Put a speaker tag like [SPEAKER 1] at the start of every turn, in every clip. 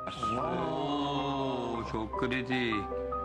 [SPEAKER 1] Oo, çok kritik.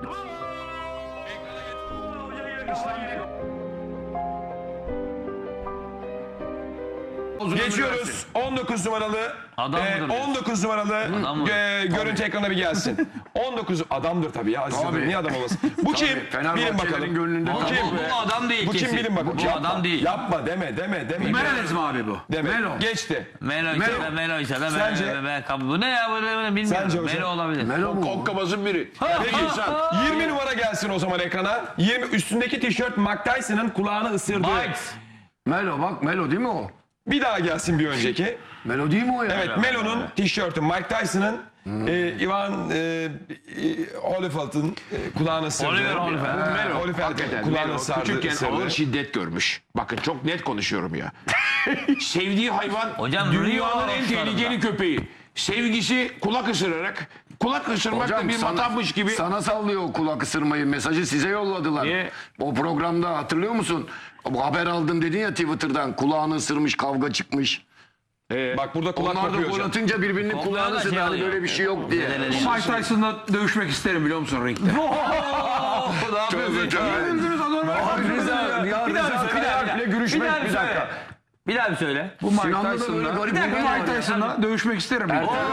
[SPEAKER 2] Geçiyoruz 19 numaralı.
[SPEAKER 1] Adam mıdır?
[SPEAKER 2] 19 numaralı
[SPEAKER 1] Adam mı?
[SPEAKER 2] görüntü ekrana bir gelsin. 19 adamdır tabii ya. Aziz Yıldırım, niye adam olmasın? Bu kim? Bilin
[SPEAKER 3] Fenerbahçelerin
[SPEAKER 2] bakalım.
[SPEAKER 3] gönlünde
[SPEAKER 2] Bu kim?
[SPEAKER 1] Bu adam değil
[SPEAKER 2] Bu kim
[SPEAKER 1] kesin.
[SPEAKER 2] bilin bakalım.
[SPEAKER 1] Bu
[SPEAKER 2] Yapma,
[SPEAKER 1] adam değil.
[SPEAKER 2] Yapma deme.
[SPEAKER 3] Menelez mi abi bu?
[SPEAKER 2] Deme. Geçti.
[SPEAKER 1] Melo ise de Melo ise de
[SPEAKER 2] Sence?
[SPEAKER 1] bu ne ya bu ne bilmiyorum.
[SPEAKER 2] Sence hocam?
[SPEAKER 1] Melo olabilir.
[SPEAKER 3] Melo mu?
[SPEAKER 4] Kokkabazın biri.
[SPEAKER 2] Peki 20 numara gelsin o zaman ekrana. 20 üstündeki tişört Mike Tyson'ın kulağını ısırdı.
[SPEAKER 1] Mike.
[SPEAKER 3] Melo bak Melo değil mi o?
[SPEAKER 2] Bir daha gelsin bir önceki.
[SPEAKER 3] Melo değil mi o ya?
[SPEAKER 2] Evet, Melo'nun tişörtü Mike Tyson'ın Ivan Holyfield'ın kulağını ısırdı.
[SPEAKER 1] Oliver Holyfield.
[SPEAKER 4] Melo
[SPEAKER 2] Holyfield'in
[SPEAKER 4] hakikaten
[SPEAKER 2] kulağını
[SPEAKER 4] Melo
[SPEAKER 2] ısırdı.
[SPEAKER 4] küçükken ağır şiddet görmüş. Bakın çok net konuşuyorum ya. Sevdiği hayvan
[SPEAKER 1] Hocam,
[SPEAKER 4] dünyanın
[SPEAKER 1] Rio
[SPEAKER 4] en
[SPEAKER 1] Ağustos'ta.
[SPEAKER 4] tehlikeli köpeği. Sevgisi kulak ısırarak, kulak ısırmak da bir matahmış gibi.
[SPEAKER 3] Sana sallıyor o kulak ısırmayı. Mesajı size yolladılar.
[SPEAKER 4] Niye?
[SPEAKER 3] O programda hatırlıyor musun? Bu haber aldım dedin ya Twitter'dan. Kulağını ısırmış, kavga çıkmış.
[SPEAKER 2] Bak burada kulak
[SPEAKER 3] Onlar da
[SPEAKER 2] kopuyor
[SPEAKER 3] gol
[SPEAKER 2] hocam.
[SPEAKER 3] atınca birbirinin
[SPEAKER 1] Onlara
[SPEAKER 3] kulağını
[SPEAKER 1] da
[SPEAKER 3] ısırdı.
[SPEAKER 1] şey
[SPEAKER 3] Hani
[SPEAKER 1] alıyor.
[SPEAKER 3] böyle bir şey yok diye.
[SPEAKER 5] Mike Tyson'la dövüşmek isterim biliyor musun ringde?
[SPEAKER 1] Ne yapıyorsun?
[SPEAKER 3] Abi Rıza Kayalp'le görüşmek bir dakika.
[SPEAKER 1] Bir daha bir söyle.
[SPEAKER 5] Bu Mike
[SPEAKER 3] Sinan'da da böyle
[SPEAKER 5] Tyson'la
[SPEAKER 3] garip
[SPEAKER 5] bir
[SPEAKER 3] bir
[SPEAKER 5] dakika,
[SPEAKER 3] var
[SPEAKER 5] Mike
[SPEAKER 3] ya.
[SPEAKER 5] Tyson'la dövüşmek isterim.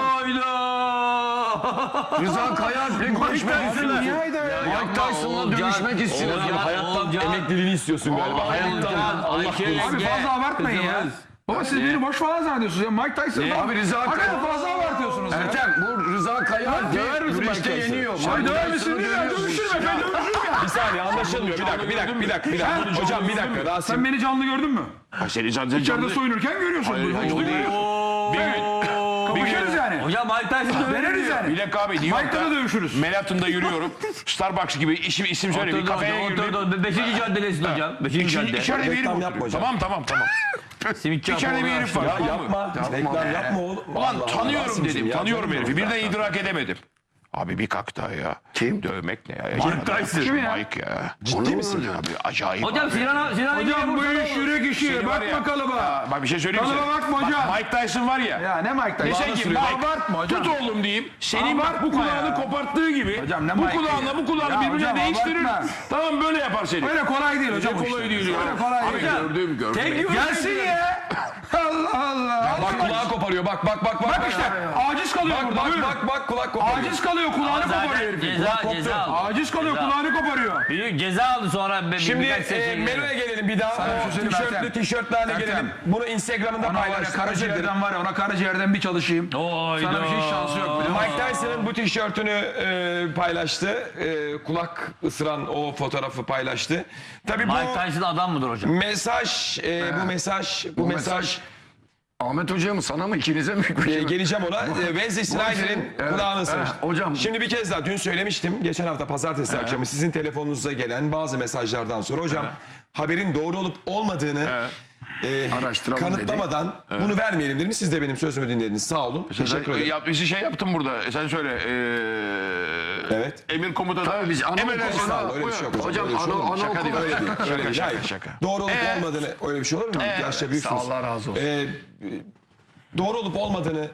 [SPEAKER 1] Hayda.
[SPEAKER 3] Rıza Kayalp'le görüşmek istiyorsun. Mike Tyson'la dövüşmek istiyorsun.
[SPEAKER 1] Olcan,
[SPEAKER 2] Hayattan
[SPEAKER 1] Olcan.
[SPEAKER 2] emekliliğini istiyorsun galiba. Hayattan.
[SPEAKER 1] Allah
[SPEAKER 5] Abi fazla abartmayın ya. Baba siz beni boş falan zannediyorsunuz ya. Mike Tyson'la.
[SPEAKER 3] Abi Rıza
[SPEAKER 5] Hakikaten fazla abartıyorsunuz ya.
[SPEAKER 3] Ertem bu Rıza Kayalp güreşte yeniyor.
[SPEAKER 5] Abi
[SPEAKER 3] Mike
[SPEAKER 5] döver
[SPEAKER 3] Tyson'ı
[SPEAKER 5] misin? Ben
[SPEAKER 3] dövüyormuş.
[SPEAKER 5] dövüşürüm efendim.
[SPEAKER 2] Bir saniye anlaşılmıyor. Bir dakika. Hocam bir dakika. Rasim.
[SPEAKER 5] Sen beni canlı gördün mü?
[SPEAKER 4] Seni zaten
[SPEAKER 5] İçeride soyunurken görüyorsun.
[SPEAKER 4] Hayır,
[SPEAKER 5] Bunu.
[SPEAKER 4] hayır, o değil.
[SPEAKER 5] Kapışırız yani.
[SPEAKER 1] Hocam Mike Tyson
[SPEAKER 5] Deneriz yani.
[SPEAKER 4] Bir dakika abi New
[SPEAKER 5] Mike'la da
[SPEAKER 4] York'ta
[SPEAKER 5] dövüşürüz.
[SPEAKER 4] Manhattan'da yürüyorum. Starbucks gibi isim söyle bir kafeye girdim.
[SPEAKER 1] Oturdu. 5. caddedesin hocam. 5. cadde.
[SPEAKER 4] İçeride bir herif
[SPEAKER 2] Reklam
[SPEAKER 4] var.
[SPEAKER 2] yapma hocam.
[SPEAKER 4] Tamam.
[SPEAKER 1] Simitçi
[SPEAKER 4] İçeride bir
[SPEAKER 1] Apo'yu
[SPEAKER 4] herif var.
[SPEAKER 2] Ya
[SPEAKER 4] tamam mı?
[SPEAKER 2] yapma. Reklam yapma oğlum.
[SPEAKER 4] Ulan
[SPEAKER 2] Allah Allah,
[SPEAKER 4] tanıyorum
[SPEAKER 2] Rasim'cim
[SPEAKER 4] dedim.
[SPEAKER 2] ya,
[SPEAKER 4] Tanıyorum
[SPEAKER 2] canım
[SPEAKER 4] herifi.
[SPEAKER 2] benim.
[SPEAKER 4] Birden idrak edemedim. Abi bir kalk daha ya.
[SPEAKER 3] Kim?
[SPEAKER 4] Dövmek ne ya?
[SPEAKER 1] Mike Tyson.
[SPEAKER 5] Kim ya?
[SPEAKER 4] Mike ya.
[SPEAKER 2] Ciddi misin?
[SPEAKER 4] Abi acayip
[SPEAKER 1] Hocam
[SPEAKER 4] abi.
[SPEAKER 1] Sinan
[SPEAKER 5] Hocam bu iş yürek işi.
[SPEAKER 4] Seni var ya-
[SPEAKER 5] Bakma kalıba.
[SPEAKER 4] Ya, bak bir şey söyleyeyim
[SPEAKER 5] Kalıba
[SPEAKER 4] size.
[SPEAKER 5] bakma hocam.
[SPEAKER 4] Mike Tyson var ya.
[SPEAKER 5] Ya ne Mike Tyson?
[SPEAKER 4] Dese ki
[SPEAKER 5] Abartma hocam.
[SPEAKER 4] tut oğlum diyeyim. Senin bak bu
[SPEAKER 5] Abartma
[SPEAKER 4] kulağını
[SPEAKER 5] ya.
[SPEAKER 4] koparttığı gibi
[SPEAKER 5] Hocam ne
[SPEAKER 4] bu
[SPEAKER 5] Mike
[SPEAKER 4] kulağınla
[SPEAKER 5] ya?
[SPEAKER 4] bu kulağını
[SPEAKER 5] Ya
[SPEAKER 4] birbirine
[SPEAKER 5] hocam,
[SPEAKER 4] değiştirir.
[SPEAKER 5] abartma.
[SPEAKER 4] Tamam böyle yapar seni.
[SPEAKER 5] Öyle kolay değil hocam.
[SPEAKER 4] Ne kolay değil ya.
[SPEAKER 5] Öyle kolay
[SPEAKER 4] Abi
[SPEAKER 5] değil.
[SPEAKER 4] gördüm.
[SPEAKER 5] Gelsin ya. Allah Allah.
[SPEAKER 2] Bak kulağı koparıyor. Bak.
[SPEAKER 5] Bak işte aciz kalıyor burada. Buyurun.
[SPEAKER 2] Bak kulak koparıyor.
[SPEAKER 5] Aciz kalıyor kulağını koparıyor
[SPEAKER 1] Zaten
[SPEAKER 5] herifin.
[SPEAKER 1] ceza aldı.
[SPEAKER 5] Aciz kalıyor
[SPEAKER 1] Ceza.
[SPEAKER 5] kulağını koparıyor.
[SPEAKER 1] Büyük ceza aldı sonra.
[SPEAKER 2] Şimdi
[SPEAKER 1] birkaç seçim
[SPEAKER 2] Melo'ya gelelim bir daha.
[SPEAKER 5] Sana bir şey söyleyeyim
[SPEAKER 2] Tişörtlü
[SPEAKER 5] Ertem.
[SPEAKER 2] tişörtlerle
[SPEAKER 5] Ertem.
[SPEAKER 2] gelelim. Bunu Instagram'da
[SPEAKER 5] Ona var ya
[SPEAKER 2] paylaştık. Özür dilerim.
[SPEAKER 5] karaciğerden var ya ona karaciğerden bir çalışayım.
[SPEAKER 1] Hayda.
[SPEAKER 5] Sana bir şey şansı yok biliyor musun?
[SPEAKER 2] Mike Tyson'ın bu tişörtünü paylaştı. Kulak ısıran o fotoğrafı paylaştı. Tabii bu
[SPEAKER 1] Mike Tyson adam mıdır hocam?
[SPEAKER 2] mesaj, bu mesaj
[SPEAKER 3] Ahmet Hoca'ya mı sana mı ikinize mi?
[SPEAKER 2] geleceğim ona. Wesley Snyder'in
[SPEAKER 3] Evet,
[SPEAKER 2] kulağını ısırmış.
[SPEAKER 3] hocam.
[SPEAKER 2] Şimdi bir kez daha dün söylemiştim. Geçen hafta pazartesi akşamı sizin telefonunuza gelen bazı mesajlardan sonra hocam haberin doğru olup olmadığını
[SPEAKER 3] Araştıralım
[SPEAKER 2] kanıtlamadan bunu vermeyelim dedim. Siz de benim sözümü dinlediniz. Sağ olun. Teşekkür ederim.
[SPEAKER 4] Bir şey yaptım burada. Sen söyle.
[SPEAKER 2] Evet.
[SPEAKER 4] Emir komutanı.
[SPEAKER 3] Tabii biz
[SPEAKER 4] Emredersin.
[SPEAKER 2] Estağfurullah, öyle bir şey yok hocam.
[SPEAKER 3] Hocam
[SPEAKER 2] Öyle bir şey olur mu?
[SPEAKER 4] Şaka değil.
[SPEAKER 3] anaokulu.
[SPEAKER 2] Öyle değil. Öyle değil. Hayır.
[SPEAKER 4] Şaka.
[SPEAKER 2] Doğru olup olmadığını öyle bir şey olur mu? Yaşça büyüksünüz.
[SPEAKER 3] Allah razı olsun.
[SPEAKER 2] Doğru olup olmadığını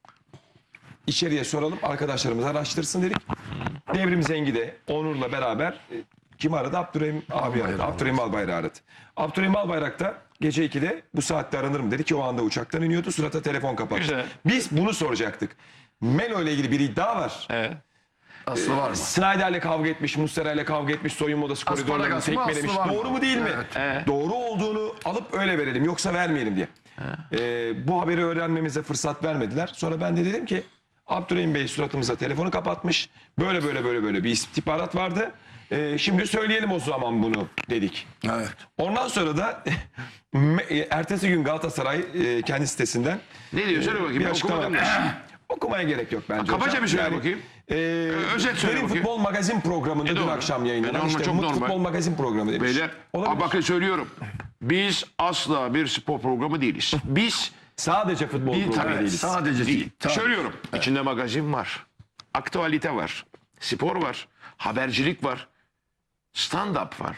[SPEAKER 2] içeriye soralım. Arkadaşlarımız araştırsın dedik. Devrim Zengi de Onur'la beraber kim aradı? Abdurrahim abi aradı. Abdurrahim Albayrak aradı. Abdurrahim Albayrak da gece 2'de bu saatte aranır mı dedi ki o anda uçaktan iniyordu. Surata telefon kapattı.
[SPEAKER 4] Güzel.
[SPEAKER 2] Biz bunu soracaktık. Melo ile ilgili bir iddia var.
[SPEAKER 4] Evet.
[SPEAKER 3] Aslı var mı?
[SPEAKER 2] Snyder'le kavga etmiş, Muslera'yla kavga etmiş, soyunma odası koridorlarını
[SPEAKER 3] Asparagas mı,
[SPEAKER 2] tekmelemiş.
[SPEAKER 3] aslı var mı?
[SPEAKER 2] Doğru mu değil mi? Doğru olduğunu alıp öyle verelim yoksa vermeyelim diye. Bu haberi öğrenmemize fırsat vermediler. Sonra ben de dedim ki Abdurrahim Bey suratımıza telefonu kapatmış. Böyle bir istihbarat vardı. Şimdi söyleyelim o zaman bunu dedik.
[SPEAKER 3] Evet.
[SPEAKER 2] Ondan sonra da ertesi gün Galatasaray kendi sitesinden
[SPEAKER 4] Ne diyor? Söyle bakayım.
[SPEAKER 2] bir
[SPEAKER 4] Ben
[SPEAKER 2] açıklama
[SPEAKER 4] okumadım.
[SPEAKER 2] Okumaya gerek yok bence.
[SPEAKER 4] Kabaca
[SPEAKER 2] hocam.
[SPEAKER 4] bir söyle
[SPEAKER 2] Yani,
[SPEAKER 4] bakayım.
[SPEAKER 2] Özet
[SPEAKER 4] söyle
[SPEAKER 2] Derin
[SPEAKER 4] bakayım.
[SPEAKER 2] Futbol Magazin programında dün
[SPEAKER 4] doğru.
[SPEAKER 2] akşam yayınlanan
[SPEAKER 4] Normal,
[SPEAKER 2] işte
[SPEAKER 4] çok
[SPEAKER 2] Umut
[SPEAKER 4] normal.
[SPEAKER 2] Futbol Magazin programı demiş.
[SPEAKER 4] Beyler.
[SPEAKER 2] Olabilir.
[SPEAKER 4] Bakın söylüyorum. Biz asla bir spor programı değiliz. Biz
[SPEAKER 2] Sadece futbol programı
[SPEAKER 4] tabii,
[SPEAKER 2] değiliz.
[SPEAKER 3] Sadece değil. Tabii.
[SPEAKER 4] söylüyorum. İçinde magazin var. Aktualite var. Spor var. Habercilik var. Stand-up var.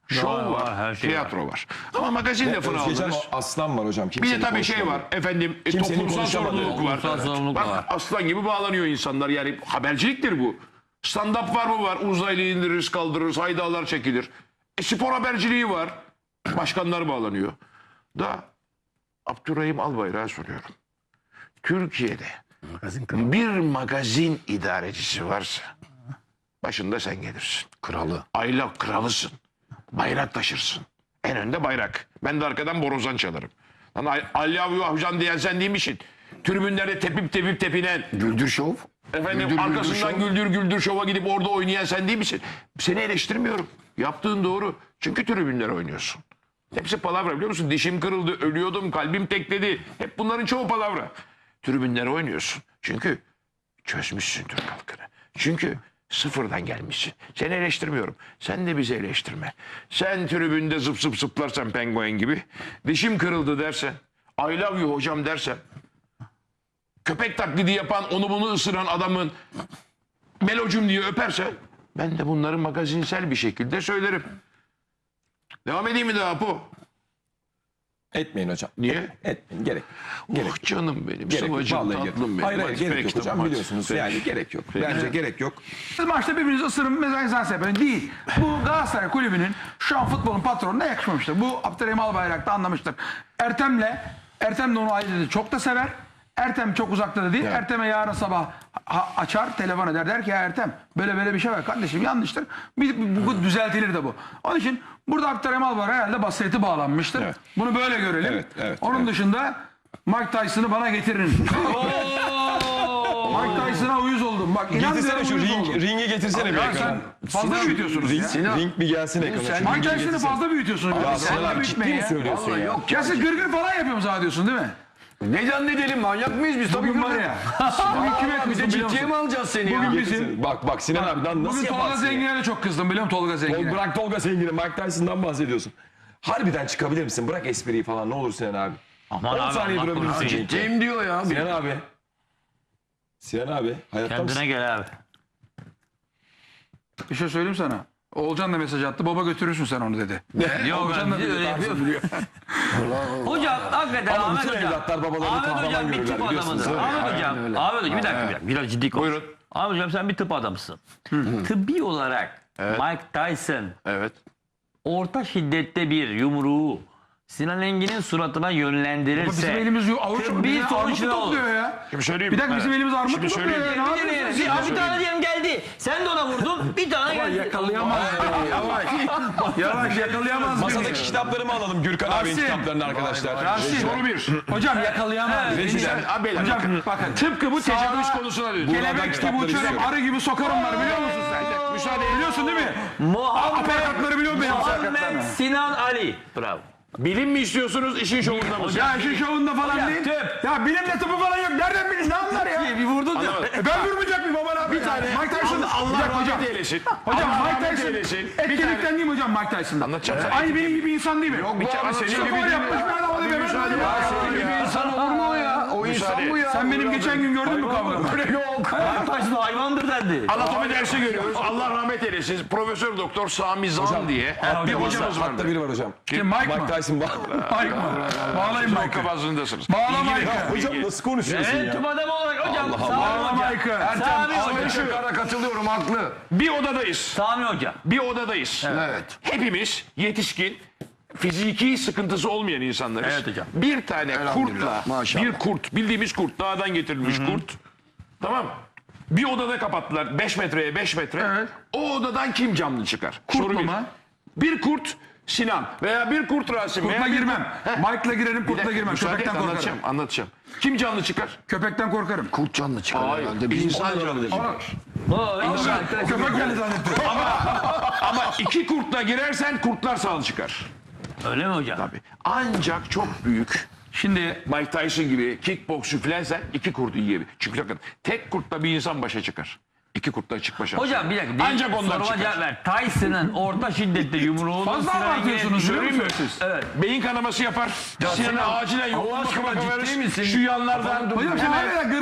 [SPEAKER 4] şov
[SPEAKER 1] var,
[SPEAKER 4] var,
[SPEAKER 1] her şey
[SPEAKER 4] tiyatro var. Ama magazin lafını
[SPEAKER 2] Özgecan
[SPEAKER 4] aldınız.
[SPEAKER 2] aslan var hocam.
[SPEAKER 4] Bir de
[SPEAKER 2] Kimsenin
[SPEAKER 4] tabii şey
[SPEAKER 2] konuşamadığı.
[SPEAKER 4] var efendim
[SPEAKER 2] Kimsenin
[SPEAKER 4] toplumsal
[SPEAKER 2] konuşamadığı.
[SPEAKER 4] sorumluluk var.
[SPEAKER 1] Toplumsal sorumluluk
[SPEAKER 4] Bak
[SPEAKER 1] var.
[SPEAKER 4] aslan gibi bağlanıyor insanlar yani haberciliktir bu. Stand-up var mı var? Uzaylı indiririz kaldırırız haydalar çekilir. Spor haberciliği var. Başkanlar bağlanıyor. Da Abdurrahim Albayrak'a soruyorum. Türkiye'de bir magazin idarecisi varsa başında sen gelirsin.
[SPEAKER 3] Kralı.
[SPEAKER 4] Ayla kralısın. Bayrak taşırsın. En önde bayrak. Ben de arkadan borazan çalarım. Lan Alyavu Hocam diyen sen değil misin? Tribünlerde tepip tepinen.
[SPEAKER 3] Güldür şov.
[SPEAKER 4] Efendim
[SPEAKER 3] Güldür
[SPEAKER 4] arkasından
[SPEAKER 3] şov.
[SPEAKER 4] güldür şova gidip orada oynayan sen değil misin? Seni eleştirmiyorum. Yaptığın doğru. Çünkü tribünlere oynuyorsun. Hepsi palavra biliyor musun? Dişim kırıldı, ölüyordum, kalbim tekledi. Hep bunların çoğu palavra. Tribünlere oynuyorsun. Çünkü çözmüşsün Türk halkını. Çünkü sıfırdan gelmişsin. Seni eleştirmiyorum. Sen de bizi eleştirme. Sen tribünde zıp zıp zıplarsan penguen gibi. Dişim kırıldı dersen. I love you hocam dersen. Köpek taklidi yapan, onu bunu ısıran adamın melocum diye öperse ben de bunları magazinsel bir şekilde söylerim. Devam edeyim mi daha Apo?
[SPEAKER 2] Etmeyin hocam.
[SPEAKER 4] Niye?
[SPEAKER 2] Etmeyin. Gerek.
[SPEAKER 4] Oh canım benim,
[SPEAKER 2] Gerek yok.
[SPEAKER 4] sıvacım,
[SPEAKER 2] Vallahi gerek yok.
[SPEAKER 4] tatlım benim.
[SPEAKER 2] Hayır
[SPEAKER 4] Hadi
[SPEAKER 2] gerek
[SPEAKER 4] peki,
[SPEAKER 2] yok hocam
[SPEAKER 4] hadi.
[SPEAKER 2] biliyorsunuz.
[SPEAKER 4] Peki.
[SPEAKER 2] Yani gerek yok. Bence gerek yok.
[SPEAKER 5] Siz maçta birbirinizi ısırın mesela insan sebebini değil. Bu Galatasaray kulübünün şu an futbolun patronuna yakışmamıştır. Bu Abdurrahim Albayrak da anlamıştır. Ertem de onu ayrıca çok da sever. Ertem çok uzakta da değil.
[SPEAKER 2] Evet.
[SPEAKER 5] Ertem'e yarın sabah açar, telefon eder. Der ki ya Ertem böyle bir şey var kardeşim yanlıştır. Bu düzeltilir de bu. Onun için burada Abdurrahim Albayrak herhalde basireti bağlanmıştır.
[SPEAKER 2] Evet.
[SPEAKER 5] Bunu böyle görelim.
[SPEAKER 2] Evet,
[SPEAKER 5] Onun dışında Mike Tyson'ı bana getirin. Mike Tyson'a uyuz oldum. Bak inan
[SPEAKER 2] Getirsene şu
[SPEAKER 5] uyuz oldum.
[SPEAKER 2] ringi getirsene bir
[SPEAKER 5] Ya
[SPEAKER 2] ekrana.
[SPEAKER 5] sen fazla büyütüyorsunuz ya.
[SPEAKER 2] Ring bir gelsin ekrana. Şu
[SPEAKER 5] Mike
[SPEAKER 2] ringi
[SPEAKER 5] Tyson'ı
[SPEAKER 2] getirsene.
[SPEAKER 5] fazla büyütüyorsunuz.
[SPEAKER 2] Ya
[SPEAKER 5] Fazla
[SPEAKER 2] Sinan abi ciddi
[SPEAKER 5] büyütmeyin
[SPEAKER 2] mi
[SPEAKER 5] ya.
[SPEAKER 2] söylüyorsun ya?
[SPEAKER 3] Yok.
[SPEAKER 5] Ya siz gırgır falan yapıyorsunuz zannediyorsun değil mi?
[SPEAKER 3] Ne zannedelim manyak mıyız biz? Tabii
[SPEAKER 5] Bugün var ya. Bugün kime
[SPEAKER 3] Bir
[SPEAKER 5] kızdım
[SPEAKER 3] de
[SPEAKER 5] biliyor
[SPEAKER 3] ciddiye mi
[SPEAKER 5] musun?
[SPEAKER 3] alacağız seni ya?
[SPEAKER 5] Bugün
[SPEAKER 2] Getirsene.
[SPEAKER 5] bizim...
[SPEAKER 2] Bak Sinan abi nasıl
[SPEAKER 5] Bugün Tolga
[SPEAKER 2] yaparsın ya?
[SPEAKER 5] Zengin'e de çok kızdım biliyor musun Tolga Zengin'e?
[SPEAKER 2] Bırak Tolga Zengin'i, Mike Tyson'dan bahsediyorsun. Harbiden çıkabilir misin? Bırak espriyi falan ne olur Sinan abi.
[SPEAKER 1] Aman
[SPEAKER 2] 10
[SPEAKER 1] abi,
[SPEAKER 2] saniye
[SPEAKER 1] Allah
[SPEAKER 2] durabilir misin?
[SPEAKER 1] korusun.
[SPEAKER 2] ringde?
[SPEAKER 3] Ciddiyim diyor ya.
[SPEAKER 2] Sinan abi. Sinan abi hayatta mısın?
[SPEAKER 1] Kendine gel abi.
[SPEAKER 5] Bir şey söyleyeyim sana. Oğulcan da mesaj attı. Baba götürürsün sen onu dedi.
[SPEAKER 1] Yok
[SPEAKER 5] Oğulcan da
[SPEAKER 1] ben
[SPEAKER 5] dedi.
[SPEAKER 1] öyle
[SPEAKER 5] Tarzı
[SPEAKER 1] yapıyorum.
[SPEAKER 5] biliyor.
[SPEAKER 1] Hocam hakikaten
[SPEAKER 2] Ama
[SPEAKER 1] Ahmet
[SPEAKER 2] bütün
[SPEAKER 1] Hocam.
[SPEAKER 2] evlatlar babalarını
[SPEAKER 1] Ahmet
[SPEAKER 2] kahraman
[SPEAKER 1] Hocam bir
[SPEAKER 2] görürler,
[SPEAKER 1] tıp
[SPEAKER 2] biliyorsunuz,
[SPEAKER 1] adamıdır.
[SPEAKER 2] değil mi?
[SPEAKER 1] Ahmet Hocam.
[SPEAKER 3] öyle.
[SPEAKER 1] Ahmet Hocam bir dakika. Biraz ciddi konuş.
[SPEAKER 4] Buyurun.
[SPEAKER 1] Ahmet Hocam sen bir tıp adamısın. Tıbbi olarak Mike Tyson
[SPEAKER 4] Evet.
[SPEAKER 1] orta şiddette bir yumruğu Sinan Engin'in suratına yönlendirirse
[SPEAKER 5] Bizim elimiz avuç
[SPEAKER 1] tıbbi
[SPEAKER 5] bizim armut
[SPEAKER 1] sonuç
[SPEAKER 5] mu
[SPEAKER 1] ne olur?
[SPEAKER 5] topluyor ya?
[SPEAKER 4] Şimdi söyleyeyim.
[SPEAKER 5] Bir dakika bizim elimiz armut mu
[SPEAKER 4] Şimdi
[SPEAKER 5] topluyor
[SPEAKER 4] söyleyeyim.
[SPEAKER 5] ya? Ne yapıyorsunuz siz?
[SPEAKER 1] Bir tane diyelim geldi. Sen de ona vurdun. Bir tane geldi.
[SPEAKER 5] Yakalayamaz. Yavaş yakalayamaz.
[SPEAKER 2] Masadaki kitaplarımı alalım Gürkan abinin
[SPEAKER 5] Rasim.
[SPEAKER 2] kitaplarını arkadaşlar.
[SPEAKER 5] Rasim.
[SPEAKER 4] Soru bir.
[SPEAKER 5] Hocam yakalayamaz.
[SPEAKER 4] Abi,
[SPEAKER 5] Hocam bakın
[SPEAKER 4] tıpkı bu tecavüz
[SPEAKER 5] Sağda
[SPEAKER 4] konusuna dönüyor.
[SPEAKER 5] kelebek gibi
[SPEAKER 2] kitapları
[SPEAKER 5] uçarım,
[SPEAKER 2] istiyorum.
[SPEAKER 5] arı gibi sokarım var biliyor musun sen?
[SPEAKER 4] Müsaade
[SPEAKER 5] Biliyorsun değil mi?
[SPEAKER 1] Muhammed,
[SPEAKER 5] Aparatları biliyor musun?
[SPEAKER 1] Muhammed Sinan Ali. Bravo.
[SPEAKER 4] Bilim mi istiyorsunuz, işin şovunda mı?
[SPEAKER 5] Ya işin şovunda falan
[SPEAKER 1] Hocam,
[SPEAKER 5] değil.
[SPEAKER 1] tıp.
[SPEAKER 5] Ya bilimle tıpı falan yok. Nereden bilin? Ne anlar ya?
[SPEAKER 1] Bir vurdun ya.
[SPEAKER 5] Ben vurmayacak mıyım aman abi? Bir tane. Mike Tyson.
[SPEAKER 4] Allah
[SPEAKER 5] Bir dakika hocam.
[SPEAKER 4] rahmet eylesin.
[SPEAKER 5] Hocam
[SPEAKER 4] Allah
[SPEAKER 5] Mike
[SPEAKER 4] rahmet
[SPEAKER 5] Tyson
[SPEAKER 4] eylesin.
[SPEAKER 5] etkilikten değil mi hocam Mike Tyson'dan?
[SPEAKER 4] Anlatacağım sana.
[SPEAKER 5] Aynı benim gibi insan değil mi?
[SPEAKER 3] Yok bu abi senin
[SPEAKER 5] Spor
[SPEAKER 3] gibi değil
[SPEAKER 5] yapmış
[SPEAKER 3] ya.
[SPEAKER 5] bir adam oluyor.
[SPEAKER 4] müsaade
[SPEAKER 5] Ben
[SPEAKER 4] et.
[SPEAKER 5] senin gibi insan.
[SPEAKER 3] İnsan olur mu o ya? O insan bu ya.
[SPEAKER 5] Sen benim geçen gün gördün mü kavgamı?
[SPEAKER 3] Yok.
[SPEAKER 1] Mike Tyson hayvandır dendi.
[SPEAKER 4] Anatomi dersi görüyoruz. Allah rahmet eylesin. Profesör Doktor Sami Zan diye bir hocamız
[SPEAKER 2] Hatta
[SPEAKER 4] vardı.
[SPEAKER 2] biri var hocam.
[SPEAKER 5] Kim Mike mı?
[SPEAKER 2] Mike Tyson var.
[SPEAKER 5] Mike mı? Bağlayın Mike'ı.
[SPEAKER 4] Kabazlığındasınız.
[SPEAKER 5] Bağla
[SPEAKER 4] İlgili-
[SPEAKER 5] Mike'ı.
[SPEAKER 2] Hocam nasıl konuşuyorsun
[SPEAKER 1] Evet
[SPEAKER 2] ya?
[SPEAKER 1] tıp adamı olarak hocam.
[SPEAKER 5] Bağla
[SPEAKER 1] Sami hocam.
[SPEAKER 5] Mike'ı.
[SPEAKER 1] Sami hocam.
[SPEAKER 3] Şakara katılıyorum haklı.
[SPEAKER 4] Bir odadayız.
[SPEAKER 1] Sami hocam.
[SPEAKER 4] Bir odadayız.
[SPEAKER 3] Evet.
[SPEAKER 4] Hepimiz yetişkin, fiziki sıkıntısı olmayan insanlarız.
[SPEAKER 1] Evet hocam.
[SPEAKER 4] Bir tane
[SPEAKER 3] Elhamdülillah,
[SPEAKER 4] kurtla,
[SPEAKER 3] maşallah.
[SPEAKER 4] bir kurt, bildiğimiz kurt, dağdan getirilmiş kurt. Tamam. Bir odada kapattılar 5 metreye 5 metre.
[SPEAKER 5] Evet.
[SPEAKER 4] O odadan kim canlı çıkar?
[SPEAKER 5] Kurtla
[SPEAKER 4] bir.
[SPEAKER 5] mı?
[SPEAKER 4] Bir kurt Sinan veya bir kurt Rasim.
[SPEAKER 5] Kurtla
[SPEAKER 4] veya bir
[SPEAKER 5] girmem. Mike'la girerim, kurtla girmem.
[SPEAKER 4] Müsaade et,
[SPEAKER 5] Köpekten korkarım.
[SPEAKER 4] anlatacağım. Kim canlı çıkar?
[SPEAKER 5] Köpekten korkarım.
[SPEAKER 3] Kurt canlı çıkar
[SPEAKER 4] Hayır.
[SPEAKER 3] herhalde. Bir
[SPEAKER 4] İnsan canlı çıkar.
[SPEAKER 5] Köpek geldi zannettim.
[SPEAKER 4] Ama iki kurtla girersen kurtlar sağlı çıkar.
[SPEAKER 1] Öyle mi hocam?
[SPEAKER 4] Tabii. Ancak çok büyük
[SPEAKER 5] Şimdi
[SPEAKER 4] Mike Tyson gibi kickboksçu filansen iki kurdu yiyebilir. Çünkü bakın tek kurtla bir insan başa çıkar. İki kurtla çıkma şansı.
[SPEAKER 1] Hocam bir dakika.
[SPEAKER 4] Ancak onlar
[SPEAKER 1] soruma
[SPEAKER 4] çıkar.
[SPEAKER 1] cevap ver. Tyson'ın orta şiddette yumruğunu
[SPEAKER 5] fazla
[SPEAKER 1] Sinan Engin'e
[SPEAKER 5] abartıyorsunuz biliyor
[SPEAKER 4] Söyleyeyim mi?
[SPEAKER 5] musunuz siz?
[SPEAKER 1] Evet.
[SPEAKER 4] Beyin kanaması yapar. Sinan'a acilen yoğun bakıma
[SPEAKER 3] ciddi
[SPEAKER 4] verir.
[SPEAKER 3] misin?
[SPEAKER 4] Şu yanlardan.
[SPEAKER 5] Hocam sen hala gırgır.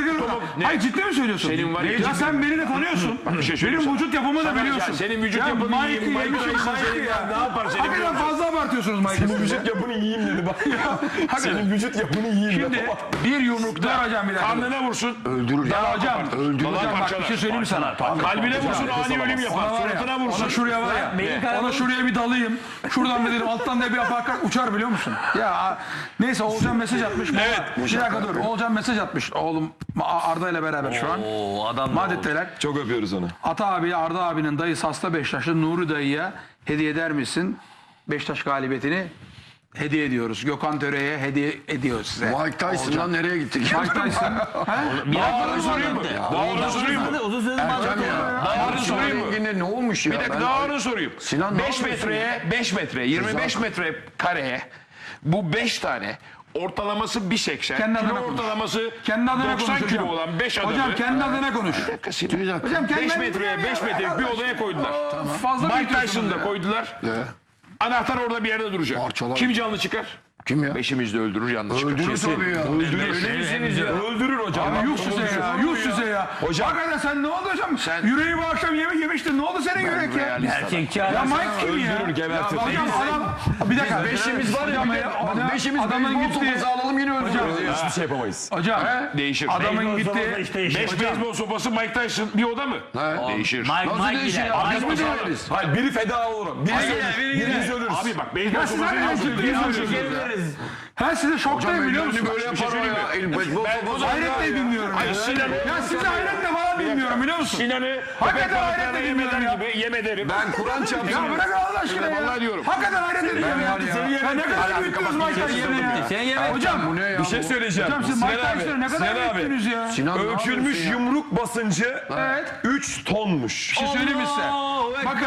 [SPEAKER 4] Ne?
[SPEAKER 5] Hayır ciddi mi söylüyorsun?
[SPEAKER 4] Senin var ya-
[SPEAKER 5] Ya sen beni de tanıyorsun.
[SPEAKER 4] bir şey söyleyeyim
[SPEAKER 5] Benim
[SPEAKER 4] sana.
[SPEAKER 5] vücut yapımı da
[SPEAKER 4] Sana-
[SPEAKER 5] biliyorsun.
[SPEAKER 4] ya senin vücut yapını
[SPEAKER 5] Mike'ı
[SPEAKER 4] yiyeyim, Mike
[SPEAKER 5] yemişim,
[SPEAKER 4] Tyson
[SPEAKER 5] Mike'ı
[SPEAKER 4] senin
[SPEAKER 5] ya.
[SPEAKER 4] ne yapar seni
[SPEAKER 5] Hakikaten
[SPEAKER 4] biliyor
[SPEAKER 5] fazla abartıyorsunuz Mike'ı.
[SPEAKER 2] Senin vücut yapını yiyeyim dedi bak. Senin vücut yapını yiyeyim
[SPEAKER 4] Şimdi
[SPEAKER 2] dedi.
[SPEAKER 4] bir yumrukta
[SPEAKER 5] Dur hocam, bir dakika.
[SPEAKER 4] karnına vursun.
[SPEAKER 3] Öldürür ya.
[SPEAKER 5] Ya hocam,
[SPEAKER 4] Öldürür.
[SPEAKER 5] hocam bak
[SPEAKER 4] Parçalar.
[SPEAKER 5] bir şey söyleyeyim mi sana?
[SPEAKER 4] Kalbine vursun ani ölüm yapar.
[SPEAKER 5] Ona var
[SPEAKER 4] Suratına
[SPEAKER 5] ya,
[SPEAKER 4] vursun.
[SPEAKER 5] ona şuraya var ya, ona şuraya bir dalayım. Şuradan bir dedim, alttan da bir aparkat uçar biliyor musun? Ya neyse Oğulcan mesaj atmış. Evet. Bir dakika dur. Oğulcan mesaj atmış. Oğlum Arda ile beraber şu an.
[SPEAKER 1] Oo adam da oldu.
[SPEAKER 5] Madetteler.
[SPEAKER 2] Çok öpüyoruz onu.
[SPEAKER 5] Ata abi, Arda abinin dayısı hasta Beşiktaşlı Nuri dayıya hediye eder misin? Beşiktaş galibiyetini hediye ediyoruz. Gökhan Töre'ye hediye ediyoruz size.
[SPEAKER 3] Mike Tyson'dan nereye gittik?
[SPEAKER 5] Mike Tyson.
[SPEAKER 1] Bir
[SPEAKER 4] Daha ağır sorayım mı?
[SPEAKER 1] dakika.
[SPEAKER 4] Daha ağır sorayım mı?
[SPEAKER 1] Uzun süredir
[SPEAKER 3] Ertem
[SPEAKER 1] Madrid'de
[SPEAKER 3] ya.
[SPEAKER 4] Daha ağır
[SPEAKER 3] Sinan
[SPEAKER 4] sorayım mı?
[SPEAKER 3] Engin'e ne olmuş ya?
[SPEAKER 4] Bir dakika
[SPEAKER 3] Ben-
[SPEAKER 4] daha ağır sorayım.
[SPEAKER 3] Sinan, ne
[SPEAKER 4] 5
[SPEAKER 3] yapıyorsun
[SPEAKER 4] metreye 5 metre 25 metre kareye bu 5 tane ortalaması 1.80
[SPEAKER 5] Kendi adına
[SPEAKER 4] kilo
[SPEAKER 5] konuş.
[SPEAKER 4] ortalaması
[SPEAKER 5] Kendi adına
[SPEAKER 4] 90
[SPEAKER 5] konuş
[SPEAKER 4] kilo
[SPEAKER 5] hocam.
[SPEAKER 4] olan 5 adamı.
[SPEAKER 5] Hocam kendi adına konuş.
[SPEAKER 4] Bir dakika Sinan.
[SPEAKER 5] Hocam kendi
[SPEAKER 4] 5 metreye 5 metre bir odaya koydular.
[SPEAKER 5] Fazla
[SPEAKER 4] Mike
[SPEAKER 5] büyütüyorsunuz
[SPEAKER 4] Tyson'ı da
[SPEAKER 5] ya.
[SPEAKER 4] koydular.
[SPEAKER 3] Ne?
[SPEAKER 4] Anahtar orada bir yerde duracak.
[SPEAKER 3] Parçalar.
[SPEAKER 4] Kim canlı çıkar?
[SPEAKER 3] Kim ya?
[SPEAKER 4] Beşimiz de öldürür yanlış çıkar.
[SPEAKER 3] Öldürür tabii ya.
[SPEAKER 4] Öyle misiniz ya?
[SPEAKER 2] Öldürür hocam.
[SPEAKER 5] Abi yuh size ya, yuh size ya.
[SPEAKER 2] Hocam.
[SPEAKER 5] Hakikaten sen ne oldu hocam?
[SPEAKER 4] Sen-
[SPEAKER 5] Yüreği bu akşam yemek yemiştin. Ne oldu senin yürek ya?
[SPEAKER 1] Erkekçi
[SPEAKER 5] Ya
[SPEAKER 1] adam.
[SPEAKER 5] Mike kim ya?
[SPEAKER 2] Öldürür, gebertir.
[SPEAKER 5] Ya hocam adam... Bir dakika.
[SPEAKER 3] Beşimiz var ya.
[SPEAKER 5] Hocam
[SPEAKER 3] bir de-
[SPEAKER 5] adam-
[SPEAKER 3] Bak beşimiz
[SPEAKER 5] adamın
[SPEAKER 3] beyzbol
[SPEAKER 5] gitti.
[SPEAKER 3] sopası alalım yine öldürürüz ya.
[SPEAKER 2] Hiçbir şey yapamayız.
[SPEAKER 5] Hocam
[SPEAKER 4] Değişir.
[SPEAKER 5] adamın gitti.
[SPEAKER 4] 5 beyzbol sopası Mike Tyson bir oda mı? Değişir.
[SPEAKER 3] Nasıl değişir ya? Biz mi değeriz?
[SPEAKER 2] Hayır biri feda olur. Birimiz ölürüz.
[SPEAKER 4] Abi bak beyzbol
[SPEAKER 5] Ya siz
[SPEAKER 4] sopası
[SPEAKER 5] hani
[SPEAKER 4] nasıl
[SPEAKER 5] ciddi
[SPEAKER 4] değişir?
[SPEAKER 5] söylüyorsunuz. Ha size şoktayım biliyor musun?
[SPEAKER 3] Böyle yapar o
[SPEAKER 4] söyleyeyim
[SPEAKER 3] ya. Beyzbol sopası.
[SPEAKER 5] Hayretle dinliyorum.
[SPEAKER 4] Ay Sinan'ı.
[SPEAKER 5] Ya sizi hayretle falan dinliyorum biliyor musun?
[SPEAKER 4] Sinan'ı
[SPEAKER 5] Hakikaten
[SPEAKER 4] köpek
[SPEAKER 5] hayretle
[SPEAKER 4] balıklarına
[SPEAKER 5] dinliyorum
[SPEAKER 4] yem eder
[SPEAKER 5] ya.
[SPEAKER 4] gibi yem ederim.
[SPEAKER 3] Ben Kur'an çarpsın.
[SPEAKER 5] Ya bırak Allah aşkına ya.
[SPEAKER 4] Vallahi diyorum.
[SPEAKER 5] Hakikaten hayret ediyorum ya. Ya ne kadar büyüttünüz Mike Tyson'ı ya.
[SPEAKER 1] Sen yemek.
[SPEAKER 5] Hocam,
[SPEAKER 3] Bu ne ya?
[SPEAKER 2] Bir şey söyleyeceğim.
[SPEAKER 5] hocam siz Mike Tyson'ı ne kadar büyüttünüz ya.
[SPEAKER 3] Sinan ne
[SPEAKER 2] Ölçülmüş
[SPEAKER 3] yapıyorsun ya?
[SPEAKER 2] yumruk basıncı
[SPEAKER 5] Evet.
[SPEAKER 2] 3 tonmuş.
[SPEAKER 5] Bir şey söyleyeyim mi size? Bakın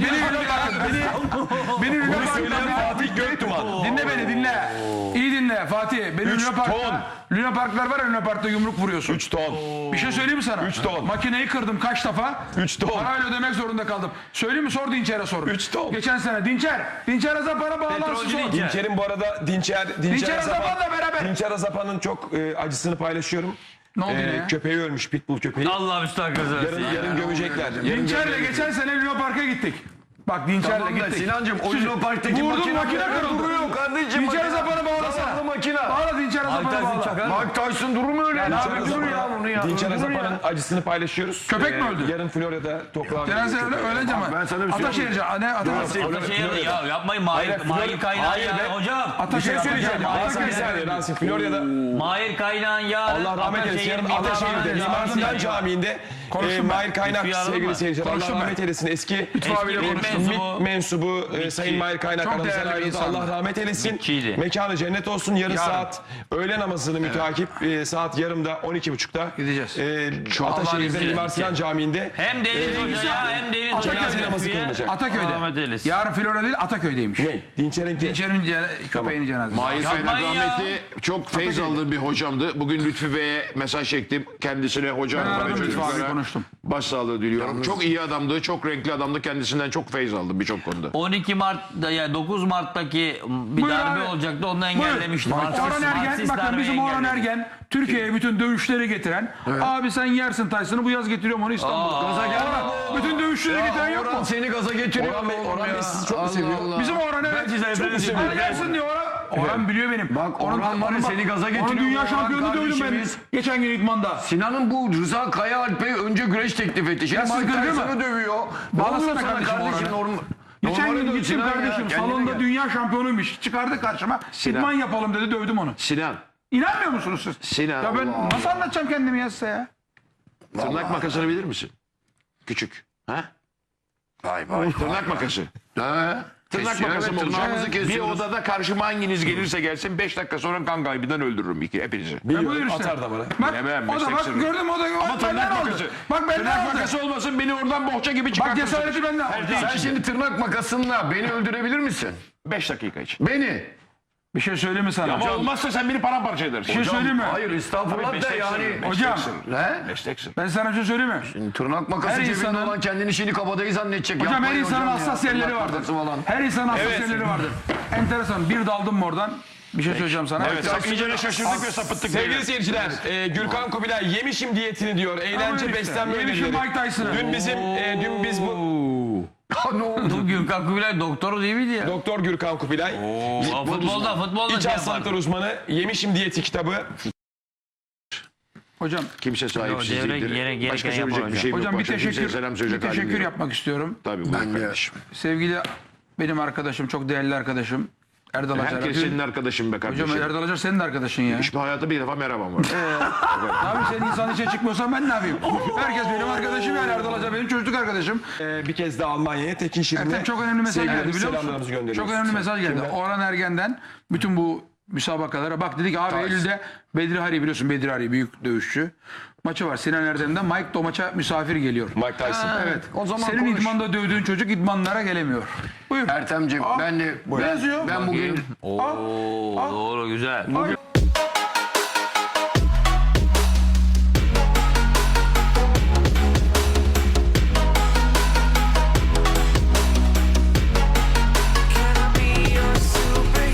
[SPEAKER 5] beni Luna
[SPEAKER 2] Bunu söyleyen
[SPEAKER 5] Park'ta
[SPEAKER 2] Fatih Göktuman.
[SPEAKER 5] dinle beni dinle. İyi dinle Fatih. Beni
[SPEAKER 2] Üç
[SPEAKER 5] Luna Park'ta
[SPEAKER 2] ton.
[SPEAKER 5] Luna Park'lar var ya Luna Park'ta yumruk vuruyorsun.
[SPEAKER 2] 3 ton.
[SPEAKER 5] Bir şey söyleyeyim mi sana?
[SPEAKER 2] 3 ton.
[SPEAKER 5] Makineyi kırdım kaç defa?
[SPEAKER 2] 3 ton.
[SPEAKER 5] Parayla ödemek zorunda kaldım. Söyleyeyim mi? Sor Dinçer'e sor.
[SPEAKER 2] 3 ton.
[SPEAKER 5] Geçen sene Dinçer Azapan'a bağlansın
[SPEAKER 1] Petrolcü
[SPEAKER 5] sor.
[SPEAKER 1] Dinçer.
[SPEAKER 2] Dinçer'in bu arada Dinçer
[SPEAKER 5] Azapan'la beraber.
[SPEAKER 2] Dinçer Azapan'ın çok acısını paylaşıyorum.
[SPEAKER 5] Ne oldu yine ya?
[SPEAKER 2] Köpeği ölmüş, pitbull köpeği.
[SPEAKER 1] Allah müstahakası versin.
[SPEAKER 2] Yarın gömecekler.
[SPEAKER 5] Dinçer'le geçen sene Luna Park'a gittik. Bak Dinçer'le
[SPEAKER 3] Tamam da
[SPEAKER 5] gittik.
[SPEAKER 3] Sinancığım o Luna Park'taki
[SPEAKER 5] Vurdum makine kırıldı.
[SPEAKER 3] duruyor kardeşim.
[SPEAKER 5] Dinçer
[SPEAKER 3] makine.
[SPEAKER 5] Azapan'ı bağlasana.
[SPEAKER 3] Zavallı makine.
[SPEAKER 5] Bağla Dinçer Azapan'ı bağla.
[SPEAKER 3] Mike Tyson durur mu öyle?
[SPEAKER 5] Ya ne
[SPEAKER 3] Ya,
[SPEAKER 5] yapıyorsun
[SPEAKER 3] dur
[SPEAKER 5] ya?
[SPEAKER 3] bunu ya.
[SPEAKER 2] Dinçer
[SPEAKER 3] Dur ya.
[SPEAKER 2] Azapan'ın acısını paylaşıyoruz.
[SPEAKER 5] Köpek mi öldü?
[SPEAKER 2] Yarın Florya'da toprağa
[SPEAKER 5] Cenaze öğlence mi?
[SPEAKER 3] Ben sana bir şey
[SPEAKER 5] Ataşehir'ce. Ne?
[SPEAKER 1] Ataşehir'de ya yapmayın Mahir Kaynağın
[SPEAKER 2] Hayır
[SPEAKER 1] ya
[SPEAKER 2] be.
[SPEAKER 1] hocam.
[SPEAKER 2] Bir şey
[SPEAKER 5] Ataşehir.
[SPEAKER 2] söyleyeceğim.
[SPEAKER 5] Ataşehir.
[SPEAKER 2] Bir saniye Rasim. Florya'da
[SPEAKER 1] Mahir Kaynağın ya.
[SPEAKER 2] Allah rahmet eylesin. Yarın Ataşehir'de Mimar Sinan Camii'nde Mahir Kaynak
[SPEAKER 1] Lütfü
[SPEAKER 2] sevgili
[SPEAKER 1] Yaralım
[SPEAKER 2] seyirciler. Allah
[SPEAKER 5] Konuştum
[SPEAKER 2] rahmet eylesin. Eski
[SPEAKER 5] abiyle konuştum.
[SPEAKER 2] MİT mensubu Sayın Mahir Kaynak
[SPEAKER 5] Çok
[SPEAKER 2] aramızdan
[SPEAKER 5] değerli bir
[SPEAKER 2] ayrıldı.
[SPEAKER 5] insandı.
[SPEAKER 2] Allah rahmet eylesin.
[SPEAKER 1] Mitçiydi.
[SPEAKER 2] Mekanı cennet olsun. Yarın
[SPEAKER 5] Yarın.
[SPEAKER 2] saat öğle namazını müteakip saat yarımda 12.30'da
[SPEAKER 5] Gideceğiz.
[SPEAKER 2] Ataşehir'de
[SPEAKER 1] izniyle
[SPEAKER 2] Mimar Sinan Camii'nde
[SPEAKER 1] Hem Deniz Hoca ya hem Deniz Hoca.
[SPEAKER 2] cenaze namazı kılınacak.
[SPEAKER 1] Rahmet
[SPEAKER 5] Ataköy'de.
[SPEAKER 1] eylesin.
[SPEAKER 5] Yarın Florya değil Ataköy'deymiş.
[SPEAKER 2] Ne? Dinçer'in
[SPEAKER 5] Dinçer'in köpeğinin cenazesi.
[SPEAKER 4] Mahir Kaynak
[SPEAKER 1] Yapmayın ya.
[SPEAKER 4] rahmetli çok feyz aldığım bir hocamdı. Bugün Lütfü Bey'e mesaj çektim. Kendisine hocam
[SPEAKER 5] Ben aradım
[SPEAKER 4] ve
[SPEAKER 5] Lütfü abi,
[SPEAKER 4] çocuklara
[SPEAKER 5] konuştum.
[SPEAKER 4] başsağlığı diliyorum. Çok iyi adamdı, çok renkli adamdı. Kendisinden çok feyz aldım birçok konuda.
[SPEAKER 1] 12 Mart'ta yani 9 Mart'taki bir
[SPEAKER 5] Buyur
[SPEAKER 1] darbe
[SPEAKER 5] abi.
[SPEAKER 1] olacaktı. Onu engellemiştim.
[SPEAKER 5] Orhan Ergen, bakın bizim Orhan Ergen Türkiye'ye bütün dövüşleri getiren. Abi sen yersin Tyson'ı bu yaz getiriyorum onu İstanbul'a.
[SPEAKER 3] Gaza gelme.
[SPEAKER 5] Bütün dövüşleri getiren yok
[SPEAKER 3] Orhan
[SPEAKER 5] mu?
[SPEAKER 3] seni gaza getiriyor.
[SPEAKER 2] Orhan Bey sizi çok mu seviyor?
[SPEAKER 5] Bizim Orhan evet. Sen yersin diyor Orhan. Orhan biliyor benim.
[SPEAKER 3] Bak, Orhan var ya, seni gaza getiriyor.
[SPEAKER 5] Onun dünya
[SPEAKER 3] Orhan
[SPEAKER 5] şampiyonu dövdüm ben.
[SPEAKER 3] kardeşimiz.
[SPEAKER 5] Geçen gün İdman'da.
[SPEAKER 3] Sinan'ın bu Rıza Kaya Alp'e önce güreş teklif etti. Şimdi
[SPEAKER 5] Ya siz
[SPEAKER 3] Mike
[SPEAKER 5] gırgır mı?
[SPEAKER 3] Tyson'ı dövüyor.
[SPEAKER 5] Bağlasana
[SPEAKER 3] Bağlasana
[SPEAKER 5] kardeşim
[SPEAKER 3] kardeşim
[SPEAKER 5] Orhan'ı.
[SPEAKER 3] normal.
[SPEAKER 5] Geçen
[SPEAKER 3] Normali
[SPEAKER 5] gün
[SPEAKER 3] döv
[SPEAKER 5] gittim
[SPEAKER 3] Sinan ya,
[SPEAKER 5] kardeşim
[SPEAKER 3] kendine
[SPEAKER 5] salonda
[SPEAKER 3] gel.
[SPEAKER 5] dünya şampiyonuymuş. Çıkardı karşıma. İdman yapalım dedi dövdüm onu.
[SPEAKER 4] Sinan,
[SPEAKER 5] İnanmıyor musunuz siz?
[SPEAKER 4] Sinan.
[SPEAKER 5] Ya ben nasıl anlatacağım kendimi ya size ya?
[SPEAKER 4] Tırnak makasını bilir misin? Küçük. Ha?
[SPEAKER 3] Vay vay.
[SPEAKER 4] Tırnak makası.
[SPEAKER 3] Ha?
[SPEAKER 4] Tırnak
[SPEAKER 3] Kesiyor,
[SPEAKER 4] makası
[SPEAKER 3] evet, tırnağımızı
[SPEAKER 4] Bir
[SPEAKER 3] kesiyoruz.
[SPEAKER 4] odada karşıma hanginiz gelirse gelsin 5 dakika sonra kan kaybından öldürürüm hepinizi.
[SPEAKER 5] Buyur işte.
[SPEAKER 2] Atar da bana.
[SPEAKER 5] Bak
[SPEAKER 4] Bilemem,
[SPEAKER 5] o da
[SPEAKER 4] meslek
[SPEAKER 5] bak
[SPEAKER 4] sırrı.
[SPEAKER 5] gördün mü o da
[SPEAKER 4] Ama
[SPEAKER 5] bak
[SPEAKER 4] tırnak
[SPEAKER 5] benden aldı.
[SPEAKER 4] makası.
[SPEAKER 5] Bak benden
[SPEAKER 4] Tırnak
[SPEAKER 5] aldı.
[SPEAKER 4] makası olmasın beni oradan bohça gibi
[SPEAKER 5] Bak
[SPEAKER 4] çıkartırsın.
[SPEAKER 5] cesareti benden aldı.
[SPEAKER 3] Sen şimdi tırnak makasınla beni öldürebilir misin?
[SPEAKER 4] 5 dakika için.
[SPEAKER 3] Beni.
[SPEAKER 5] Bir şey söyleyeyim mi sana?
[SPEAKER 4] Ama olmazsa sen beni paramparça edersin.
[SPEAKER 5] Bir şey söyleyeyim mi?
[SPEAKER 3] Hayır estağfurullah da yani.
[SPEAKER 5] Hocam
[SPEAKER 3] He?
[SPEAKER 4] Mesleksin.
[SPEAKER 5] ben sana bir şey söyleyeyim mi?
[SPEAKER 3] Tırnak makası
[SPEAKER 5] Her
[SPEAKER 3] cebinde
[SPEAKER 5] insanın-
[SPEAKER 3] olan kendini şimdi kabadayı zannedecek.
[SPEAKER 5] Hocam her
[SPEAKER 3] Yapmayın
[SPEAKER 5] insanın
[SPEAKER 3] hocam ya,
[SPEAKER 5] hassas yerleri
[SPEAKER 3] tırnak
[SPEAKER 5] vardır.
[SPEAKER 3] makası falan.
[SPEAKER 5] Her insanın hassas yerleri vardır. Enteresan bir daldım mı oradan Bir şey söyleyeceğim sana.
[SPEAKER 4] Evet, iyice şaşırdık ve sapıttık.
[SPEAKER 2] Sevgili seyirciler, Gürkan Kubilay yemişim diyetini diyor. Eğlence,
[SPEAKER 5] işte,
[SPEAKER 2] beslenme
[SPEAKER 5] yemişim
[SPEAKER 2] önerileri.
[SPEAKER 5] Mike Tyson'ı.
[SPEAKER 2] Dün biz bu
[SPEAKER 3] Ne oldu?
[SPEAKER 1] Bu Gürkan Kubilay doktoru değil miydi ya?
[SPEAKER 2] Doktor Gürkan Kubilay,
[SPEAKER 1] Futbolda
[SPEAKER 2] İç
[SPEAKER 1] şey
[SPEAKER 2] hastalıklar
[SPEAKER 1] yapar.
[SPEAKER 2] uzmanı, yemişim diyeti kitabı.
[SPEAKER 5] Hocam,
[SPEAKER 4] Kimse sahipsiz
[SPEAKER 1] devre
[SPEAKER 4] değildir.
[SPEAKER 1] gereken
[SPEAKER 4] Başka
[SPEAKER 1] yapar
[SPEAKER 4] söyleyecek bir
[SPEAKER 1] hocam.
[SPEAKER 4] şey yok.
[SPEAKER 5] hocam bir
[SPEAKER 4] Başka kimseye
[SPEAKER 5] teşekkür,
[SPEAKER 4] selam
[SPEAKER 5] bir
[SPEAKER 4] söyleyecek halim
[SPEAKER 5] teşekkür
[SPEAKER 4] yok.
[SPEAKER 5] yapmak istiyorum.
[SPEAKER 4] Tabii buyur
[SPEAKER 3] Ben de.
[SPEAKER 4] kardeşim.
[SPEAKER 5] Sevgili benim arkadaşım, çok değerli arkadaşım Erdal Acar.
[SPEAKER 4] Herkes senin arkadaşın be kardeşim.
[SPEAKER 5] Hocam Erdal Acar senin de arkadaşın ya.
[SPEAKER 4] Hiçbir hayata bir defa merhabam var.
[SPEAKER 5] Abi sen insan içe çıkmıyorsan ben ne yapayım? Herkes benim arkadaşım yani. Erdal Acar benim çocukluk arkadaşım.
[SPEAKER 2] Bir kez daha Almanya'ya Tekin Şirin'e
[SPEAKER 5] Ertem çok önemli mesaj geldi
[SPEAKER 2] sevgilerimizi,
[SPEAKER 5] biliyor
[SPEAKER 2] selamlarımızı
[SPEAKER 5] musun?
[SPEAKER 2] gönderiyoruz.
[SPEAKER 5] Çok önemli mesaj geldi.
[SPEAKER 2] Kimden?
[SPEAKER 5] Orhan Ergen'den bütün bu müsabakalara bak dedik abi Eylül'de Bedri Hari biliyorsun, Bedri Hari büyük dövüşçü. Maçı var Sinan Erdem'den. Mike de o maça misafir geliyor.
[SPEAKER 2] Mike Tyson.
[SPEAKER 5] Evet.
[SPEAKER 3] O zaman
[SPEAKER 5] Senin
[SPEAKER 3] konuş.
[SPEAKER 5] idmanda dövdüğün çocuk idmanlara gelemiyor. Buyur.
[SPEAKER 3] Ertemciğim ben de
[SPEAKER 5] Yazıyor.
[SPEAKER 3] ben bugün
[SPEAKER 1] Oo, doğru güzel.
[SPEAKER 5] Bugün